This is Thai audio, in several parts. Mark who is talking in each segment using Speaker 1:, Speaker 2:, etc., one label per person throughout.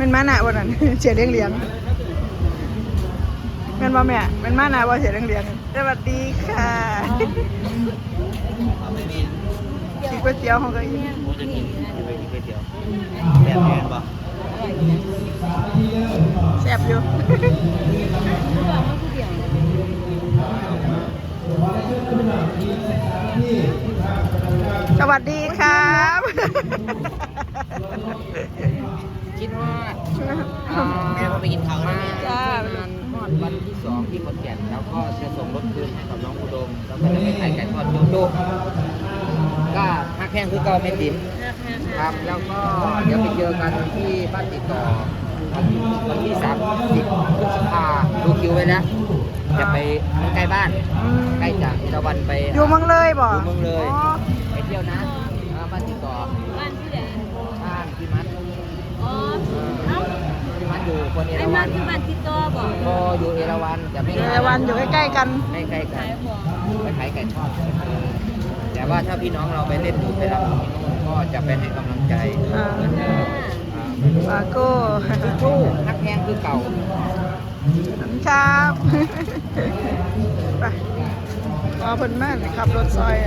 Speaker 1: มันมาหนาวันนั้น เสียเลี้ยงแม่นบ่แม่แม่นมาหนาว่าเสียเลี้ยงสวัสดีค่ะกินก๋วยเตี๋ยวของกันอีก
Speaker 2: โอ้จะกินไปกินก๋วยเตี๋ยวแบบแพงป่ะ
Speaker 1: แซ่บอยู่ สวัสดีครับ
Speaker 2: คิดว่าแม่ก็ไปกินข้าวนะ
Speaker 1: จ้า
Speaker 2: วันที่2ที่ขอนแก่นแล้วก็จะส่งรถคืนให้กับน้องอุดมแล้วก็จะไปขายไก่ทอดโจ๊กก็ฮักแห้งคือเก่าไม่ติ๋มครับแล้วก็เดี๋ยวไปเจอกันที่บ้านติดต่อวันที่30พฤษภาดูคิวไว้แล้วจะไปใกล้บ้านใกล้จากตะวันไป
Speaker 1: อยู่เมืองเลยบ่
Speaker 2: อยู่เมืองเลย
Speaker 1: อ๋อ
Speaker 2: ไปเที่ยวนะบ้านติดต่อ
Speaker 3: บ้านที่ไหน
Speaker 2: บ้านพี่มัด
Speaker 3: อ๋อเอ้า
Speaker 2: พี่มัดอยู่คนเอ
Speaker 3: ไอ้
Speaker 2: รา
Speaker 3: มั
Speaker 2: วัน น
Speaker 3: คือบ้านติดต่อบ่
Speaker 2: ก็อยู่เอราวันจะไม่
Speaker 1: เอราวันอยู่ใกล้ๆกัน
Speaker 2: ไม่ใกล้กั
Speaker 3: ขาน ยของ
Speaker 2: ไปขายไก่ทอดแต่ว่าถ้าพี่น้องเราไปเล่นดูไปรำที่นู่นก็จะไปให้กำลังใจ
Speaker 1: ปาโก้
Speaker 2: สู้นักแข่งคือเก่า
Speaker 1: ครับไปรอเพิ่นมาขับรถซอย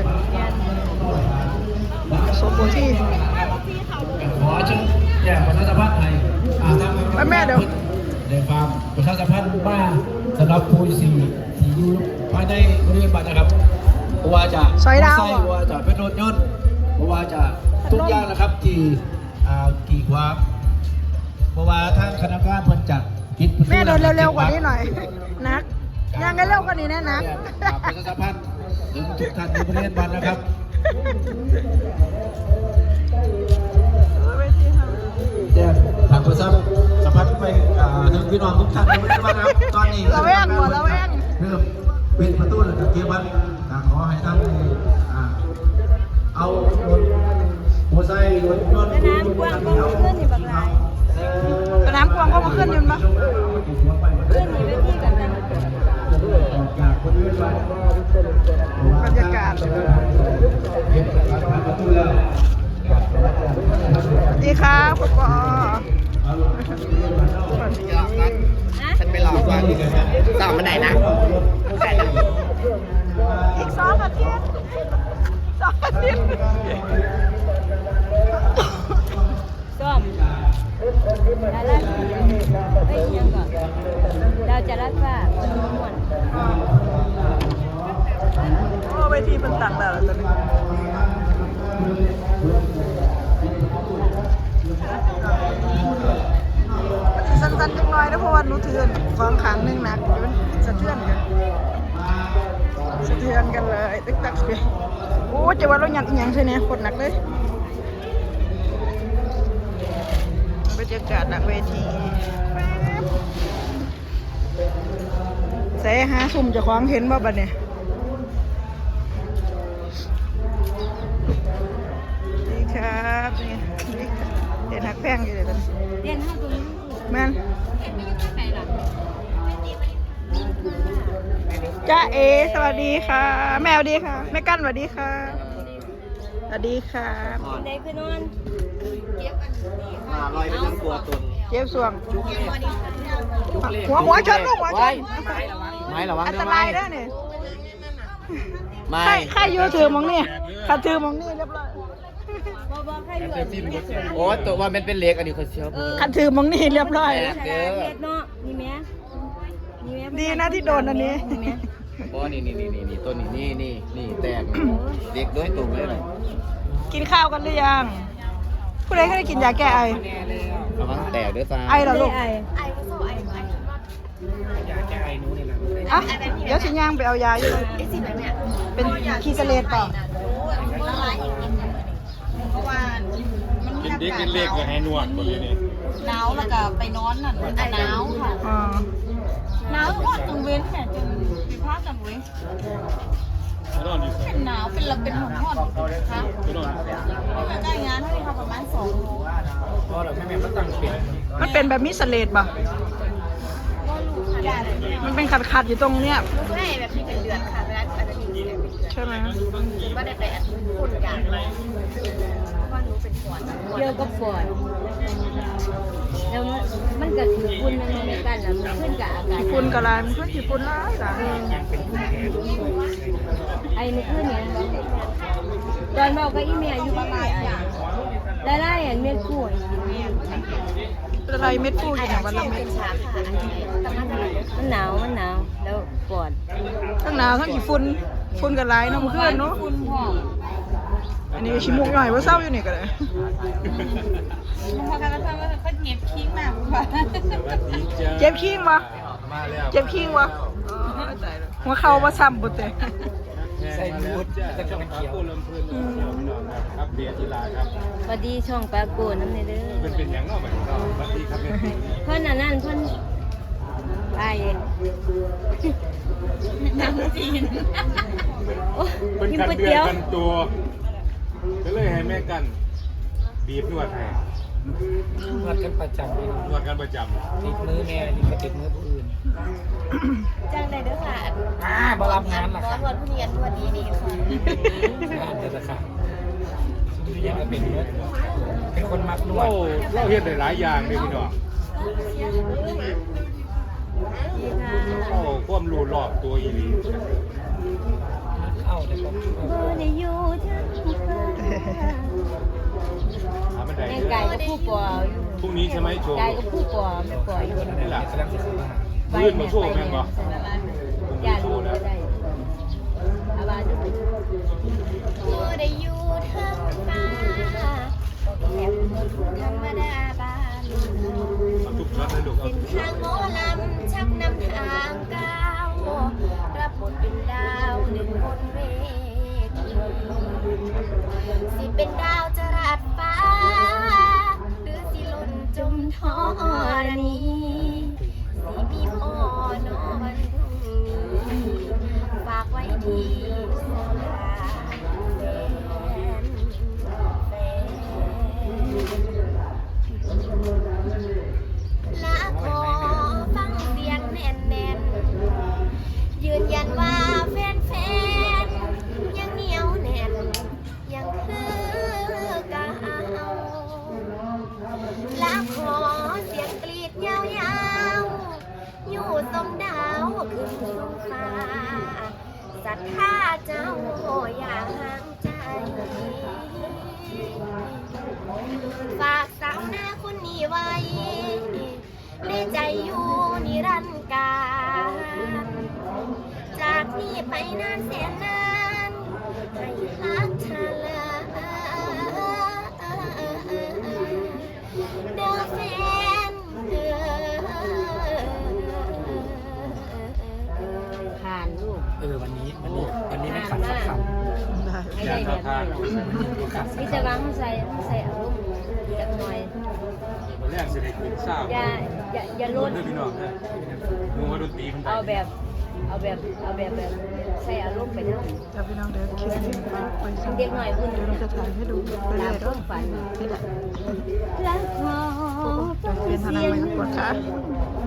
Speaker 1: สมบูรณ์ที่
Speaker 4: ขอเชิญแจ้งประชาสัมพันธ์ให้ทาง
Speaker 1: แม่เดี๋ยว
Speaker 4: ได้ฟังประชาสัมพันธ์ว่าสำหรับผู้ที่อยู่ภายในบริเวณบ้านนะครับเพราะว่าจะ
Speaker 1: ซอยดาว
Speaker 4: เพราะว่าจะเป็นรถยนต์เพราะว่าจะทุกอย่างนะครับที่กี่ความเพราะว่าทางคณะกรรมการเพิ่นจะปิดประตู
Speaker 1: แม่เดินเร็วๆกว่านี้หน่อยนักยังไงเร็วกว่านี้นะนัก
Speaker 4: ประชาสัมพันธ์ถึงทุกท่านในบริเวณบ้านนะครับ แจ้งทางโทรศัพท์สัมผัสไปถึงพี่น้องทุกท่านไม่ได้มาครับตอนนี้
Speaker 1: ระแวงหมดระแวง
Speaker 4: เริ่มปิดประตูแล้วเกี่ยวกับขอให้ท่านเอารถมอเตอร์ไซค์รถยนต์
Speaker 3: แม่น้ำกว้างก็มาขึ้นอยู่บักหลาย
Speaker 1: สนามกวางก็มาขึ้นยืนปะ
Speaker 3: ขึ้นอยู่เวทีกันนะ
Speaker 4: ออกจากบริเวณบ้าน
Speaker 1: บรรยากาศสวัสดีครับปป
Speaker 2: ฉันไปหลอกว่าต่อมาไหนนะใช่นะ
Speaker 1: อีก2 อาทิตย์2 อาทิตย์
Speaker 3: ส้มดาราสีเอ้ยยังก่อนเราจะรัดว่าคนม่วน
Speaker 1: โอ้เวทีมันตักแล้วตอนนี้สั้นๆจังน้อยนะเพราะว่าหนูถือของขังหนึ่งหนักมันสะเทือนกันเลยตึกตักเสียโอ้จะว่าเราหยัดอีหยังใช่ไหมกดหนักเลยบรรยากาศหลังเวทีใส่หาสุ่มจะคว้างเห็นบ่บัดเนี่ยดีครับนี่เด่นหักแพงอยู่เลยตอนนี้
Speaker 3: เรียนห้าตัวนี้
Speaker 1: แม่น
Speaker 3: ไหนล่ะ
Speaker 1: จ้าเอสวัสดีค่ะ แม่สวัสดีค่ะแม่กั้นสวัสดีค่ะสวัสดีค่ะ
Speaker 3: ไหนคือนอน
Speaker 2: ลอยไปทั้งตัวตน
Speaker 1: เจ็บส่วงหัวชนลูกหัวชน
Speaker 2: ไม่ระวัง
Speaker 1: อันตรายแล้วเนี่ย
Speaker 2: ไม่
Speaker 1: ใครอยู่ถือมองนี่ขัดถือมองนี่เรียบร้อย
Speaker 3: บ่ใครอยู่อันนี้
Speaker 2: โอ้ตัวว่ามันเป็นเล็กอันนี้เขาเชื่อ
Speaker 1: ขัดถือมองนี่เรียบร้อย
Speaker 3: ขนาดเม็ดเนาะนี่แม่นี่แม่
Speaker 1: ดีนะที่โดนอันนี้
Speaker 3: นี่แม่
Speaker 2: โอ้นี่ตัวนี่แตกเด็กด้วยตุ่มเลยเลย
Speaker 1: กินข้าวกันหรือยังผู้ใดเคยได้กินยาแก้ไอ
Speaker 2: ระวังแตกด้วยฟ้า
Speaker 1: ไอเหรอลูก
Speaker 3: ไอ้
Speaker 1: อ่ะเดี๋ยวสิย่างไปเอายาอยู่เลยเป็นคีสเลตเปล่า
Speaker 5: กินดิกินเล็กก็ให้นวดหมดเลยนี่
Speaker 6: หนาวแล้วก็ไปนอนนั่นหนาวค่ะ
Speaker 1: อ๋อ
Speaker 6: หนาวก็กังเว้นเนี่ยจนไปพักกันเว้ย
Speaker 5: ไปนอนอยู่
Speaker 6: เป็นหนาวเป็นละเป็นหอนค่ะ
Speaker 5: ไปนอน
Speaker 6: ไม่ได้งานให้ทำประมาณ2 โมง
Speaker 5: พอเดี๋ยวแม่มันตั้งเปลี่ยน
Speaker 1: มันเป็นแบบมิสเลตป่ะ มันเป็นขัดๆอยู่ตรงเนี้ย
Speaker 6: ลูกให้แบบที่เป็นเดือนค่ะเวลาอาจจะมีเป็นเดือน
Speaker 1: ใช่ไหม
Speaker 3: ว่าได้แต่คนอย่างไรว่าหนูเป็นปอดเกี่ยวกับปอดแล้วมันก็ถือคุณมันไม่กันแล้วมันขึ้นกับอากาศ
Speaker 1: ฝุ่นกะลายมันขึ้นที่ฝุ่นร้ายจ้ะ
Speaker 3: ไอ้นี่ขึ้นเนี่ยตอนบอกกับอีเมียอยู่ประมาณไล่เม็ดกู้
Speaker 1: อะไรเม็ดฟูอยู่ในวันละเม็ด
Speaker 3: มันหนาวแล้วปอด
Speaker 1: ทั้งหนาวทั้งขี้ฝุ่นกะลายเนาะเมื่อคืนเนาะอันนี้ชิมุกหน่อยว่าเศร้าอยู่นี่ก็เลย
Speaker 6: พอกันแล้วว่าเขาเก็บทิ้งมากกว่า
Speaker 1: เจ็บขี้งวะ
Speaker 5: มาแล้ว
Speaker 1: เจ็บขี้งวะหัวเข่ามาซ้ำบุตรเตะ
Speaker 5: ใส่บูทจะต้องเขียวลมพื้นเขียวพี่น้องครับครับเบียร์ทีลาครับ
Speaker 3: พอดีช่องปลาโกน้ำในเด้อ
Speaker 5: เป็นอย่างนอกแบบนี้สวัสดีครับเนี่ย
Speaker 3: เพิ่นนั่นเพิ่นไป
Speaker 6: น้ำจีน
Speaker 3: โอ้
Speaker 5: เป็น
Speaker 3: กิน
Speaker 5: กัน
Speaker 3: ก๋วย
Speaker 5: เดือ
Speaker 3: เตี๋
Speaker 5: น
Speaker 3: ยว
Speaker 5: กันตัวก็เลยให้แม่กันบีบนวดให้
Speaker 2: นวดกันประจำเลย
Speaker 5: นวดกันประจ
Speaker 2: ติดมือแม่นี่ก็ติดมือผู้อื่น
Speaker 3: จ้างได้เด้อค่ะ
Speaker 2: บ่รับงานล่ะค่ะ
Speaker 3: นวดผู้เรียนนวดดีค่ะ
Speaker 2: งานจะค่ะทุกอย่างก็เป็นมือเป็นคนมักน
Speaker 5: ำ
Speaker 2: วด
Speaker 5: เราเฮ็ดได้หลายอย่างเลยพี่น้อง
Speaker 3: ดีค่ะ
Speaker 5: เข้าความรู้รอบตัวอีหลี
Speaker 2: เข้าในครอบครัว
Speaker 3: บ่ได้อยู่ทั้งฟ้า
Speaker 5: หามันได้
Speaker 3: แม่
Speaker 5: เย
Speaker 3: ไก่
Speaker 5: อะ
Speaker 3: กับผู้ป่วยอยู่
Speaker 5: พรุ่งนี้ใช่ไหมโชว์
Speaker 3: ไก่กับผู้ป่วยแม่ป่วยอยู่
Speaker 5: นี่แหละ
Speaker 2: กำลังจะเข้ามา
Speaker 5: ลื่นมาโชว์แม่งบ่
Speaker 3: อย่ารู้ก็ได้อาบาดูบ่ได้อยู่ทั้งฟ้าแค่ธรรมดาบ้าน
Speaker 5: เอาทุกช็อตเลยลูกเอา
Speaker 3: เส้นทางหมอลำชักนำทางก้าวรับบทเป็นดาวหนึ่งบนเวทีสิเป็นดาวจรัสฟ้า หรือสิหล่นจมธรณีสิมีพ่อนอนฝากไว้ที่สลาแฟนและขอฟังเสียงแน่นๆยืนยันว่าแฟนๆยังเหนียวแน่นยังคือเก่าและขอเสียงกรีดยาวๆอยู่ทรงดาวขึ้นสูงฟ้าศรัทธาเจ้าอย่าห่างใจฝากสาวหน้าคนนี้ไว้ในใจอยู่นิรันดร์กาลจากนี้ไปนานแสนนานให้รักเธอลาเด้อแฟนผ่านลูก
Speaker 2: วันนี้ไม่ขัดสักคำ
Speaker 1: ได้
Speaker 3: ให้
Speaker 5: อยา
Speaker 3: ได้
Speaker 5: ก
Speaker 3: แบบ
Speaker 5: ทาน
Speaker 3: นี้นี่จะวางใส่อารมณ์จักหน่อย
Speaker 5: วันแรกเสด็จเป็นเศร้า
Speaker 3: อย่าลด
Speaker 5: เพื่อนพี่น้องนะมูว่าดนตรีมัน
Speaker 3: เอาแบบใส่อารมณ์ไปทั้ง
Speaker 1: จะพี่น้องเดี๋ยวคลิปนี้ไปส่ง
Speaker 3: เด็กหน่อยคุณ
Speaker 1: เดี๋ยวเราจะถ่ายให้ดูไปเรื่
Speaker 3: ตา
Speaker 1: อ
Speaker 3: ม
Speaker 1: ยๆ
Speaker 3: ควา
Speaker 1: เนาะ
Speaker 3: มฝัน
Speaker 1: นี่แหละ
Speaker 3: และขอ
Speaker 1: เป็นทนายไม่ต้องกดค่ะ
Speaker 3: เ